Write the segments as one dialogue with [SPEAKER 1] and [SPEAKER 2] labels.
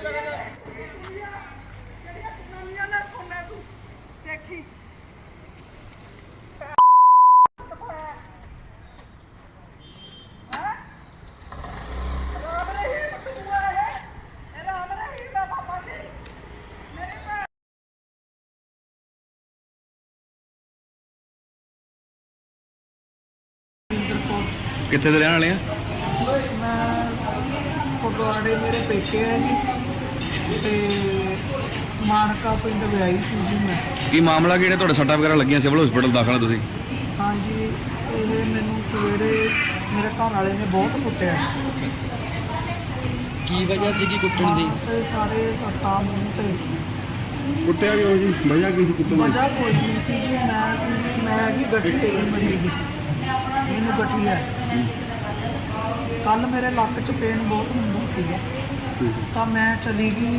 [SPEAKER 1] कितने रहने वाले हैं?
[SPEAKER 2] मैं फगवाड़े मेरे पेके है जी ते मानका पिंड विआई सी जी मैं।
[SPEAKER 1] की मामला कि सट्टा वगैरह लगियां सिविल हॉस्पिटल दाखल तुसीं?
[SPEAKER 2] हाँ जी, ये मैनू सवेरे मेरे घर वाले ने बहुत कुटिया।
[SPEAKER 3] की वजह सी की कुट्टण दी?
[SPEAKER 2] ते सारे सट्टा मूँह ते
[SPEAKER 4] कुटिया क्यों जी? वजह की सी कुट्टण दी?
[SPEAKER 2] वजह कोई नहीं सी जी। मैं भी गड्डी ते मरी गई, मैनू गड्डी है। कल मेरे लक च पेन बहुत ਹੁੰਦਾ ਸੀਗਾ ਤਾਂ ਮੈਂ ਚਲੀ ਗਈ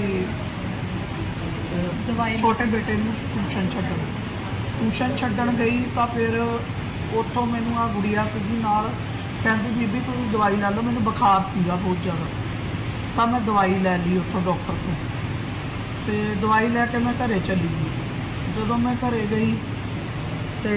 [SPEAKER 2] ਦਵਾਈ ਛੋਟੇ ਬੇਟੇ ਨੂੰ ਟਿਊਸ਼ਨ ਛੱਡਣ ਗਈ ਤਾਂ ਫਿਰ ਉੱਥੋਂ ਮੈਨੂੰ ਆ ਗੁੜੀਆ ਸੀਗੀ ਨਾਲ, ਕਹਿੰਦੀ ਬੀਬੀ ਤੁਸੀਂ ਦਵਾਈ ਲੈ ਲਓ, ਮੈਨੂੰ ਬੁਖਾਰ ਸੀਗਾ ਬਹੁਤ ਜ਼ਿਆਦਾ। ਤਾਂ ਮੈਂ ਦਵਾਈ ਲੈ ਲਈ ਉੱਥੋਂ ਡਾਕਟਰ ਤੋਂ ਤੇ ਦਵਾਈ ਲੈ ਕੇ ਮੈਂ ਘਰੇ ਚਲੀ ਗਈ। ਜਦੋਂ ਮੈਂ ਘਰੇ ਗਈ ਤੇ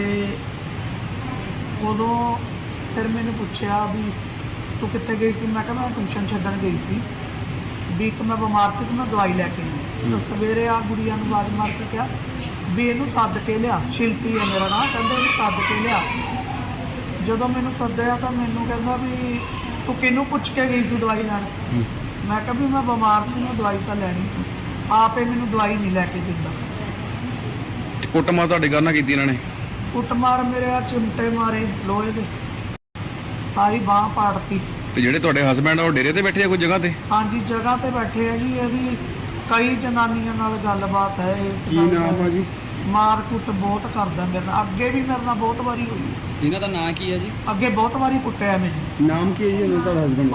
[SPEAKER 2] ਉਦੋਂ ਫਿਰ ਮੈਨੂੰ ਪੁੱਛਿਆ ਵੀ ਤੂੰ ਕਿੱਥੇ ਗਈ ਸੀ? ਮੈਂ ਕਿਹਾ ਮੈਂ ਟਿਊਸ਼ਨ ਛੱਡਣ ਗਈ ਸੀ ਵੀ ਇੱਕ ਮੈਂ ਬਿਮਾਰ ਸੀ ਤੇ ਮੈਂ ਦਵਾਈ ਲੈ ਕੇ ਆਈ। ਤਾਂ ਸਵੇਰੇ ਆ ਗੁੜੀਆ ਨੂੰ ਆਵਾਜ਼ ਮਾਰ ਕੇ ਕਿਹਾ ਵੀ ਇਹਨੂੰ ਸੱਦ ਕੇ ਲਿਆ, ਸ਼ਿਲਪੀ ਹੈ ਮੇਰਾ ਨਾਂ, ਕਹਿੰਦਾ ਇਹਨੂੰ ਸੱਦ ਕੇ ਲਿਆ। ਜਦੋਂ ਮੈਨੂੰ ਸੱਦਿਆ ਤਾਂ ਮੈਨੂੰ ਕਹਿੰਦਾ ਵੀ ਤੂੰ ਕਿਹਨੂੰ ਪੁੱਛ ਕੇ ਗਈ ਸੀ ਦਵਾਈ ਲੈਣ? ਮੈਂ ਕਿਹਾ ਵੀ ਮੈਂ ਬਿਮਾਰ ਸੀ, ਮੈਂ ਦਵਾਈ ਤਾਂ ਲੈਣੀ ਸੀ, ਆਪੇ ਮੈਨੂੰ ਦਵਾਈ ਨਹੀਂ ਲੈ ਕੇ ਦਿੰਦਾ।
[SPEAKER 1] ਕੁੱਟਮਾਰ ਤੁਹਾਡੇ ਘਰ ਨਾਲ ਕੀਤੀ ਇਹਨਾਂ ਨੇ?
[SPEAKER 2] ਕੁੱਟਮਾਰ ਮੇਰੇ ਆ ਚਿਮਟੇ ਮਾਰੇ ਲੋਹੇ ਦੇ, ਸਾਰੀ ਬਾਂਹ ਪਾੜਤੀ।
[SPEAKER 1] ਤੇ ਜਿਹੜੇ ਤੁਹਾਡੇ ਹਸਬੈਂਡ ਆ ਉਹ ਡੇਰੇ ਤੇ ਬੈਠੇ ਆ ਕੋਈ ਜਗ੍ਹਾ ਤੇ?
[SPEAKER 2] ਹਾਂਜੀ ਜਗ੍ਹਾ ਤੇ ਬੈਠੇ ਆ ਜੀ। ਇਹਦੀ ਕਈ ਜਨਾਨੀਆਂ ਨਾਲ ਗੱਲਬਾਤ ਹੈ ਇਸ
[SPEAKER 4] ਕੀ
[SPEAKER 2] ਗੱਲ
[SPEAKER 4] ਨਾਮ ਆ ਜੀ?
[SPEAKER 2] ਮਾਰ ਕੁੱਟ ਬਹੁਤ ਕਰਦਾ ਮੇਰੇ ਨਾਲ, ਅੱਗੇ ਵੀ ਮੇਰੇ ਨਾਲ ਬਹੁਤ ਵਾਰੀ ਹੋਈ।
[SPEAKER 3] ਇਹਨਾਂ ਦਾ ਨਾਂ ਕੀ ਹੈ ਜੀ?
[SPEAKER 2] ਅੱਗੇ ਬਹੁਤ ਵਾਰੀ ਕੁੱਟਿਆ ਮੈਨੂੰ।
[SPEAKER 4] ਨਾਮ ਕੀ ਹੈ ਜੀ ਇਹਨਾਂ ਤੁਹਾਡਾ ਹਸਬੈਂਡ ਦਾ?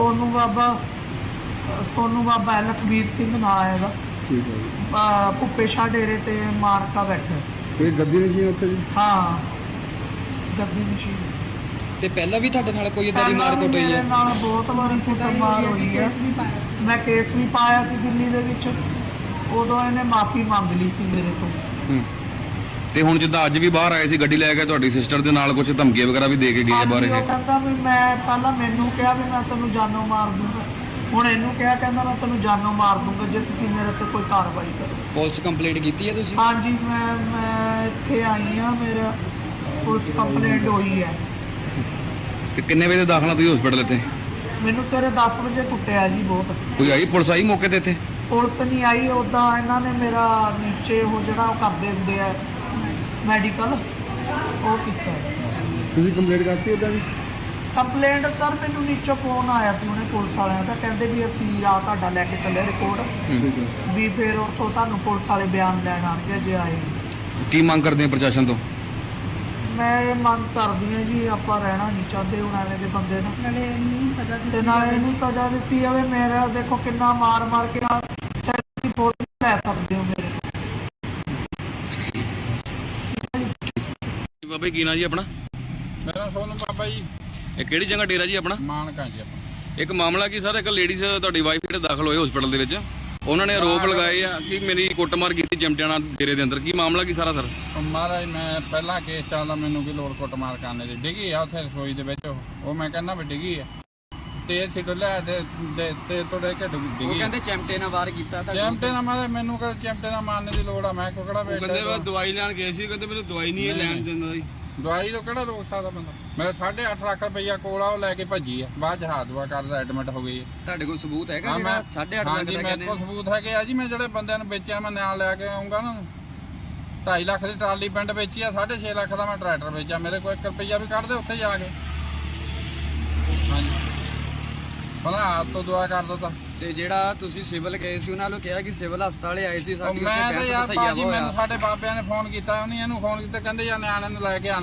[SPEAKER 2] ਸੋਨੂ ਬਾਬਾ ਲਖਬੀਰ ਸਿੰਘ ਨਾਂ ਹੈ ਇਹਦਾ।
[SPEAKER 4] ਠੀਕ ਹੈ ਜੀ।
[SPEAKER 2] ਭੁੱਪੇ ਸ਼ਾਹ ਡੇਰੇ ਤੇ ਮਾਨਕਾ ਬੈਠਾ।
[SPEAKER 4] ਇਹ ਗੱਦੀ ਨਸ਼ੀਨ ਉੱਥੇ ਜੀ?
[SPEAKER 2] ਹਾਂ ਗੱਦੀ ਮਸ਼ੀਨ।
[SPEAKER 3] ਤੇ ਪਹਿਲਾਂ ਵੀ ਤੁਹਾਡੇ ਨਾਲ ਕੋਈ ਇਦਾਂ ਦੀ ਮਾਰ ਕੁੱਟ ਹੋਈ
[SPEAKER 2] ਮੇਰੇ
[SPEAKER 3] ਹੈ?
[SPEAKER 2] ਨਾਲ ਬਹੁਤ ਵਾਰੀ ਕੁੱਟਮਾਰ ਹੋਈ ਹੈ। ਮੈਂ ਕੇਸ ਵੀ ਪਾਇਆ ਸੀ ਦਿੱਲੀ ਦੇ ਵਿੱਚ, ਉਦੋਂ ਇਹਨੇ ਮਾਫੀ ਮੰਗ ਲਈ ਸੀ ਮੇਰੇ ਤੋਂ।
[SPEAKER 1] ਤੇ ਹੁਣ ਜਿੱਦਾਂ ਅੱਜ ਵੀ ਬਾਹਰ ਆਏ ਸੀ ਗੱਡੀ ਲੈ ਕੇ, ਤੁਹਾਡੀ ਸਿਸਟਰ ਦੇ ਨਾਲ ਕੁਝ ਧਮਕੀਆਂ ਵਗੈਰਾ ਵੀ ਦੇ ਕੇ ਗਏ ਆ ਬਾਹਰ?
[SPEAKER 2] ਉਹ ਕਹਿੰਦਾ ਵੀ ਮੈਂ ਪਹਿਲਾਂ ਮੈਨੂੰ ਕਿਹਾ ਵੀ ਮੈਂ ਤੈਨੂੰ ਜਾਨੋਂ ਮਾਰ ਦੂੰਗਾ, ਹੁਣ ਇਹਨੂੰ ਕਿਹਾ ਕਹਿੰਦਾ ਮੈਂ ਤੈਨੂੰ ਜਾਨੋਂ ਮਾਰ ਦੂੰਗਾ ਜੇ ਤੁਸੀਂ ਮੇਰੇ ਤੇ ਕੋਈ ਕਾਰਵਾਈ ਕਰੋ।
[SPEAKER 3] ਪੁਲਿਸ ਕੰਪਲੇਂਟ ਕੀਤੀ ਹੈ ਤੁਸੀਂ?
[SPEAKER 2] ਹਾਂਜੀ ਮੈਂ ਇੱਥੇ ਆਈ ਹਾਂ, ਮੇਰਾ ਪੁਲਿਸ ਕੰਪਲੇਂਟ ਹੋਈ ਹੈ।
[SPEAKER 1] ਤੇ ਕਿੰਨੇ ਵਜੇ ਦਾਖਲਾ ਤੁਸੀਂ ਹਸਪੀਟਲ ਇੱਥੇ?
[SPEAKER 2] ਮੈਨੂੰ ਸਵੇਰੇ 10 ਵਜੇ ਕੁੱਟਿਆ ਜੀ ਬਹੁਤ।
[SPEAKER 1] ਕੋਈ ਆਈ ਪੁਲਿਸ ਆਈ ਮੌਕੇ ਤੇ ਇੱਥੇ?
[SPEAKER 2] ਪੁਲਿਸ ਨਹੀਂ ਆਈ, ਉੱਦਾਂ ਇਹਨਾਂ ਨੇ ਮੇਰਾ ਨੀਚੇ ਉਹ ਜਿਹੜਾ ਉਹ ਕਰਦੇ ਹੁੰਦੇ ਆ ਮੈਡੀਕਲ ਉਹ ਕੀਤਾ।
[SPEAKER 4] ਤੁਸੀਂ ਕੰਪਲੇਂਟ ਕਰਤੀ ਉਹਦਾ ਜੀ?
[SPEAKER 2] ਕੰਪਲੇਂਟ ਸਰ ਮੈਨੂੰ ਨੀਚੋਂ ਫੋਨ ਆਇਆ ਸੀ ਉਹਨੇ ਪੁਲਿਸ ਵਾਲਿਆਂ ਦਾ, ਕਹਿੰਦੇ ਵੀ ਅਸੀਂ ਆ ਤੁਹਾਡਾ ਲੈ ਕੇ ਚੱਲੇ ਰਿਪੋਰਟ
[SPEAKER 4] ਠੀਕ ਹੈ।
[SPEAKER 2] ਵੀ ਫਿਰ ਉੱਥੋਂ ਤੁਹਾਨੂੰ ਪੁਲਿਸ ਵਾਲੇ ਬਿਆਨ ਲੈਣ ਆਣਗੇ ਜੇ ਆਏ।
[SPEAKER 1] ਕੀ ਮੰਗ ਕਰਦੇ ਆ ਪ੍ਰਸ਼ਾਸਨ ਤੋਂ?
[SPEAKER 2] ਮੈਂ ਇਹ ਮੰਗ ਕਰਦੀ ਹਾਂ ਜੀ ਆਪਾਂ ਰਹਿਣਾ ਨਹੀਂ ਚਾਹੁੰਦੇ ਹੁਣ ਐਵੇਂ ਦੇ ਬੰਦੇ ਨਾਲ, ਨਾਲੇ ਇਹਨੂੰ ਸਜ਼ਾ ਦਿੱਤੀ ਤੇ ਨਾਲੇ ਇਹਨੂੰ ਸਜ਼ਾ ਦਿੱਤੀ ਜਾਵੇ। ਮੇਰਾ ਦੇਖੋ ਕਿੰਨਾ ਮਾਰ ਮਾਰ ਕੇ ਤੁਸੀਂ ਫੋਟੋ ਲੈ ਸਕਦੇ ਹੋ ਮੇਰੇ।
[SPEAKER 1] ਬਾਬਾ ਕੀ ਨਾਂ ਜੀ ਆਪਣਾ?
[SPEAKER 5] ਮੇਰਾ ਸੋਨੂ ਬਾਬਾ ਜੀ।
[SPEAKER 1] ਇਹ ਕਿਹੜੀ ਜਗ੍ਹਾ ਡੇਰਾ ਜੀ ਆਪਣਾ?
[SPEAKER 5] ਮਾਨਕਾ ਜੀ ਆਪਣਾ।
[SPEAKER 1] ਇੱਕ ਮਾਮਲਾ ਕੀ ਸਰ, ਇੱਕ ਲੇਡੀਜ਼ ਤੁਹਾਡੀ ਵਾਈਫ ਜਿਹੜੇ ਦਾਖਲ ਹੋਏ ਹਸਪੀਟਲ ਦੇ ਵਿੱਚ, ਉਹਨਾਂ ਨੇ ਆਰੋਪ ਲਗਾਏ ਆ ਕਿ ਮੇਰੀ ਕੁੱਟਮਾਰ ਕੀਤੀ ਚਿਮਟਿਆਂ ਨਾਲ ਡੇਰੇ ਦੇ ਅੰਦਰ। ਕੀ ਮਾਮਲਾ ਕੀ ਸਾਰਾ ਸਰ?
[SPEAKER 5] ਮਹਾਰਾਜ ਮੈਂ ਪਹਿਲਾਂ ਕੇਸ ਚੱਲਦਾ, ਮੈਨੂੰ ਕੀ ਲੋੜ ਕੁੱਟਮਾਰ ਕਰਨੇ ਦੀ? ਡਿੱਗੀ ਆ ਉੱਥੇ ਰਸੋਈ ਦੇ ਵਿੱਚ, ਉਹ ਮੈਂ ਕਹਿੰਦਾ ਵੀ ਡਿੱਗੀ ਆ, ਤੇਲ ਛਿੱਟ ਲਿਆ ਤੇ ਤੁਹਾਡੇ ਕਿ ਡਿੱਗੀ।
[SPEAKER 3] ਉਹ ਕਹਿੰਦੇ ਚਿਮਟੇ ਨਾਲ ਵਾਰ ਕੀਤਾ ਤਾਂ?
[SPEAKER 5] ਚਿਮਟੇ ਨਾਲ ਮਾਰੇ, ਮੈਨੂੰ ਕਹਿੰਦੇ ਚਿਮਟੇ ਨਾਲ ਮਾਰਨੇ ਦੀ ਲੋੜ ਆ? ਮੈਂ ਕੋਕੜਾ ਬੈਠਾ।
[SPEAKER 4] ਕਹਿੰਦੇ ਮੈਂ ਦਵਾਈ ਲੈਣ ਗਏ ਸੀ, ਕਹਿੰਦੇ ਮੈਨੂੰ ਦਵਾਈ ਨਹੀਂ ਲੈਣ ਦਿੰਦਾ ਜੀ।
[SPEAKER 5] ਦਵਾਈ ਤੋਂ ਕਿਹੜਾ ਰੋਕ ਸਕਦਾ ਬੰਦਾ? ਮੈਂ 8.5 ਲੱਖ ਰੁਪਈਆ ਕੋਲ ਆ, ਉਹ ਲੈ ਕੇ ਭੱਜੀ ਆ, ਬਾਅਦ ਚ ਹਾਥ ਦੁਆ ਕਰਦਾ ਐਡਮਿਟ ਹੋ ਗਈ ਹੈ।
[SPEAKER 3] ਤੁਹਾਡੇ ਕੋਲ ਸਬੂਤ ਹੈਗਾ
[SPEAKER 5] ਹਾਂ
[SPEAKER 3] ਜਿਹੜਾ
[SPEAKER 5] ਮੈਂ
[SPEAKER 3] 8.5 ਲੱਖ
[SPEAKER 5] ਹਾਂਜੀ
[SPEAKER 3] ਦਾ
[SPEAKER 5] ਮੇਰੇ
[SPEAKER 3] ਕਹਿੰਦੇ?
[SPEAKER 5] ਕੋਲ ਸਬੂਤ ਹੈਗੇ ਆ ਜੀ। ਮੈਂ ਜਿਹੜੇ ਬੰਦਿਆਂ ਨੂੰ ਵੇਚਿਆ ਮੈਂ ਨਾਲ ਲੈ ਕੇ ਆਉਂਗਾ ਨਾ। 2.5 ਲੱਖ ਦੀ ਟਰਾਲੀ ਪਿੰਡ ਵੇਚੀ ਆ, 6.5 ਲੱਖ ਦਾ ਮੈਂ ਟਰੈਕਟਰ ਵੇਚਿਆ। ਮੇਰੇ ਕੋਲ 1 ਰੁਪਈਆ ਵੀ ਕੱਢ ਦੇ ਉੱਥੇ ਜਾ ਕੇ। ਹਾਂਜੀ ਭਲਾ ਆਪ ਤੋਂ ਦੁਆ ਕਰ ਦਿੱਤਾ।
[SPEAKER 3] ਤੇ ਜਿਹੜਾ ਤੁਸੀਂ ਸਿਵਲ ਗਏ ਸੀ ਉਹਨਾਂ ਨੂੰ ਕਿਹਾ ਕਿ ਸਿਵਲ ਹਸਪਤਾਲੇ ਆਏ ਸੀ ਸਾਡੀ
[SPEAKER 5] ਮੈਂ ਤਾਂ ਯਾਰ
[SPEAKER 3] ਉੱਥੇ
[SPEAKER 5] ਭਾਜੀ ਮੈਨੂੰ ਸਾਡੇ ਬਾਬਿਆਂ ਨੇ ਫੋਨ ਕੀਤਾ, ਉਹਨੇ ਇਹਨੂੰ ਫੋਨ ਕੀਤਾ, ਕਹਿੰਦੇ ਯਾਰ ਨਿਆਣੇ ਨੂੰ ਲੈ ਕੇ ਆ ਨਾਲ।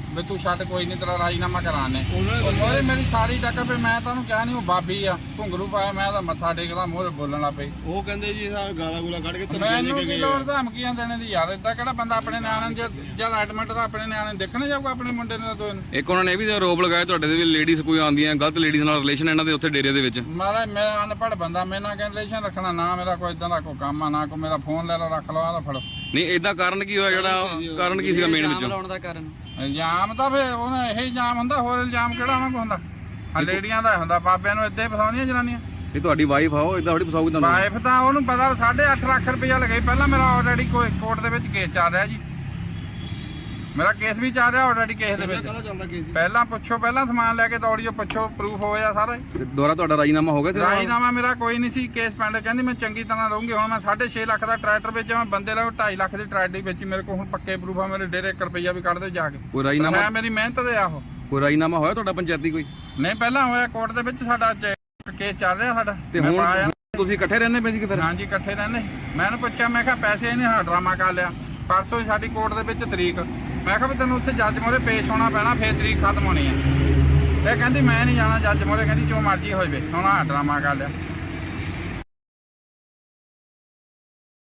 [SPEAKER 5] ਵੀ ਤੂੰ ਛੱਡ ਕੋਈ ਨਹੀਂ ਤੇਰਾ ਰਾਜੀਨਾਮਾ ਕਰਾਣੇ
[SPEAKER 4] ਉਹਨਾਂ ਨੇ ਦੱਸਿਆ
[SPEAKER 5] ਉਹਦੇ ਮੇਰੀ ਸਾਰੀ ਟੱਕਰ ਵੀ ਮੈਂ ਤੁਹਾਨੂੰ ਕਿਹਾ ਨਹੀਂ ਉਹ ਬਾਬੀ ਆ ਘੁੰਗਰੂ ਪਾਇਆ ਮੈਂ ਤਾਂ ਮੱਥਾ ਟੇਕਦਾ ਮੂਹਰੇ ਬੋਲਣ ਲੱਗ ਪਈ
[SPEAKER 4] ਉਹ ਕਹਿੰਦੇ ਜੀ ਇਹ ਗਾਲਾਂ ਗੂਲਾ ਕੱਢ ਕੇ ਧਮਕੀਆਂ ਦੇ
[SPEAKER 5] ਮੈਨੂੰ
[SPEAKER 4] ਕੇ
[SPEAKER 5] ਕੀ
[SPEAKER 4] ਗਏ
[SPEAKER 5] ਲੋੜ
[SPEAKER 4] ਆ।
[SPEAKER 5] ਧਮਕੀਆਂ ਦੇਣੇ ਦੀ ਯਾਰ ਏਦਾਂ ਕਿਹੜਾ ਬੰਦਾ ਆਪਣੇ ਨਿਆਣੇ ਨੂੰ ਜਦ ਐਡਮਿਟ ਦਾ ਆਪਣੇ ਨਿਆਣੇ ਨੂੰ ਦੇਖਣ ਜਾਊਗਾ ਆਪਣੇ ਮੁੰਡੇ ਨੂੰ ਦੋਨ
[SPEAKER 1] ਇੱਕ ਉਹਨਾਂ ਨੇ ਇਹ ਵੀ ਆਰੋਪ ਲਗਾਇਆ ਤੁਹਾਡੇ ਦੇ ਵੀ ਲੇਡੀਜ਼ ਕੋਈ ਆਉਂਦੀਆਂ ਗਲਤ ਲੇਡੀਜ਼ ਨਾਲ ਰਿਲੇਸ਼ਨ ਇਹਨਾਂ ਦੇ ਉੱਥੇ ਡੇਰੇ ਦੇ ਵਿੱਚ।
[SPEAKER 5] ਮਾਰਾ ਮੈਂ ਅਨਪੜ੍ਹ ਬੰਦਾ ਮੇਰੇ ਨਾਲ ਕਿਹਨ ਰਿਲੇਸ਼ਨ ਰੱਖਣਾ ਨਾ ਮੇਰਾ ਕੋਈ ਇਦਾਂ ਦਾ ਕੋਈ ਕੰਮ ਆ ਨਾ ਕੋਈ ਮੇਰਾ ਫੋਨ ਲੈ ਲਓ ਰੱਖ ਲਓ ਆਹ ਲਓ ਫੜੋ
[SPEAKER 1] ਨਹੀਂ ਇਦਾਂ ਕਾਰਨ ਕੀ ਹੋਇਆ ਜਿਹੜਾ ਕਾਰਨ ਕੀ ਸੀਗਾ ਮੇਨ
[SPEAKER 3] ਇਲਜ਼ਾਮ
[SPEAKER 1] ਵਿੱਚੋਂ?
[SPEAKER 3] ਲਾਉਣ ਦਾ ਕਾਰਨ
[SPEAKER 5] ਇਲਜ਼ਾਮ ਤਾਂ ਫੇ ਉਹਨਾਂ ਇਹ ਇਲਜ਼ਾਮ ਹੁੰਦਾ ਹੋਰ ਇਲਜ਼ਾਮ ਕਿਹੜਾ ਉਹਨਾਂ ਕੋਲ ਹੁੰਦਾ ਆ ਲੇਡੀਆਂ ਦਾ ਹੁੰਦਾ ਬਾਬਿਆਂ ਨੂੰ ਏਦਾਂ ਹੀ ਫਸਾਉਂਦੀਆਂ ਜਨਾਨੀਆਂ।
[SPEAKER 1] ਇਹ ਤੁਹਾਡੀ ਵਾਈਫ ਆ ਉਹ ਇਦਾਂ ਥੋੜੀ ਫਸਾਉਗੀ ਤੁਹਾਨੂੰ।
[SPEAKER 5] ਵਾਈਫ ਤਾਂ ਉਹਨੂੰ ਪਤਾ 8.5 ਲੱਖ ਰੁਪਇਆ ਲਗਾਈ ਪਹਿਲਾਂ ਮੇਰਾ ਆਲਰੇਡੀ ਕੋਈ ਕੋਰਟ ਦੇ ਵਿੱਚ ਕੇਸ ਚੱਲ ਰਿਹਾ ਜੀ ਮੇਰਾ ਕੇਸ ਵੀ ਚੱਲ ਰਿਹਾ ਆਲਰੇਡੀ ਕੇਸ ਦੇ ਵਿੱਚ
[SPEAKER 4] ਕਾਹਦਾ ਚੱਲਦਾ ਕੇਸ ਜੀ?
[SPEAKER 5] ਪਹਿਲਾਂ ਪੁੱਛੋ ਪਹਿਲਾਂ ਸਮਾਨ ਲੈ ਕੇ ਦੌੜੀਓ ਪੁੱਛੋ ਪ੍ਰੂਫ ਹੋਇਆ ਸਾਰਾ ਹੀ।
[SPEAKER 1] ਤੇ ਦੁਬਾਰਾ ਤੁਹਾਡਾ ਰਾਜੀਨਾਮਾ ਹੋ ਗਿਆ ਸੀ?
[SPEAKER 5] ਰਾਜੀਨਾਮਾ ਮੇਰਾ ਕੋਈ ਨਹੀਂ ਸੀ ਕੇਸ ਪੈਂਡ ਕਹਿੰਦੀ ਮੈਂ ਚੰਗੀ ਤਰ੍ਹਾਂ ਰਹੂੰਗੀ ਹੁਣ ਮੈਂ 6.5 ਲੱਖ ਦਾ ਟਰੈਕਟਰ ਵੇਚਿਆ ਮੈਂ ਬੰਦੇ ਨਾਲ 2.5 ਲੱਖ ਦੀ ਟਰੈਕਟਰ ਵੇਚੀ ਮੇਰੇ ਕੋਲ ਹੁਣ ਪੱਕੇ ਪ੍ਰੂਫ ਆ ਮੇਰੇ ਡੇਰੇ 1 ਰੁਪਈਆ ਵੀ ਕੱਢ ਦੇ ਜਾ ਕੇ
[SPEAKER 1] ਕੋਈ ਰਾਜੀਨਾਮਾ
[SPEAKER 5] ਮੈਂ ਮੇਰੀ ਮਿਹਨਤ ਦੇ ਆਹੋ
[SPEAKER 1] ਕੋਈ ਰਾਜੀਨਾਮਾ ਹੋਇਆ ਤੁਹਾਡਾ ਪੰਚਾਇਤੀ ਕੋਈ?
[SPEAKER 5] ਨਹੀਂ ਪਹਿਲਾਂ ਹੋਇਆ ਕੋਰਟ ਦੇ ਵਿੱਚ ਸਾਡਾ ਕੇਸ ਚੱਲ ਰਿਹਾ ਸਾਡਾ
[SPEAKER 1] ਤੇ
[SPEAKER 5] ਮੈਂ
[SPEAKER 1] ਹੁਣ
[SPEAKER 5] ਪਾਇਆ।
[SPEAKER 1] ਤੁਸੀਂ ਇਕੱਠੇ ਰਹਿੰਦੇ ਪਏ ਸੀ ਕਿ ਫਿਰ?
[SPEAKER 5] ਹਾਂਜੀ ਇਕੱਠੇ ਰਹਿੰਦੇ ਮੈਂ ਇਹਨੂੰ ਪੁੱਛਿਆ ਮੈਂ ਕਿਹਾ ਪੈਸੇ ਇਹਨੇ ਹਾਂ ਡਰਾਮਾ ਕਰ ਲਿਆ ਪਰਸੋਂ ਸਾਡੀ ਕੋਰਟ ਦੇ ਵਿੱਚ ਤਰੀਕ ਮੈਂ ਕਿਹਾ ਵੀ ਤੈਨੂੰ ਉੱਥੇ ਜੱਜ ਮੋਰੇ ਪੇਸ਼ ਹੋਣਾ ਪੈਣਾ ਫੇਰ ਤਰੀਕ ਖਤਮ ਹੋਣੀ ਹੈ ਇਹ ਕਹਿੰਦੀ ਮੈਂ ਨਹੀਂ ਜਾਣਾ ਜੱਜ ਮੋਰੇ ਕਹਿੰਦੀ ਜੋ ਮਰਜ਼ੀ ਹੋਵੇ ਹੁਣ ਆਹ ਡਰਾਮਾ ਕਰ ਲਿਆ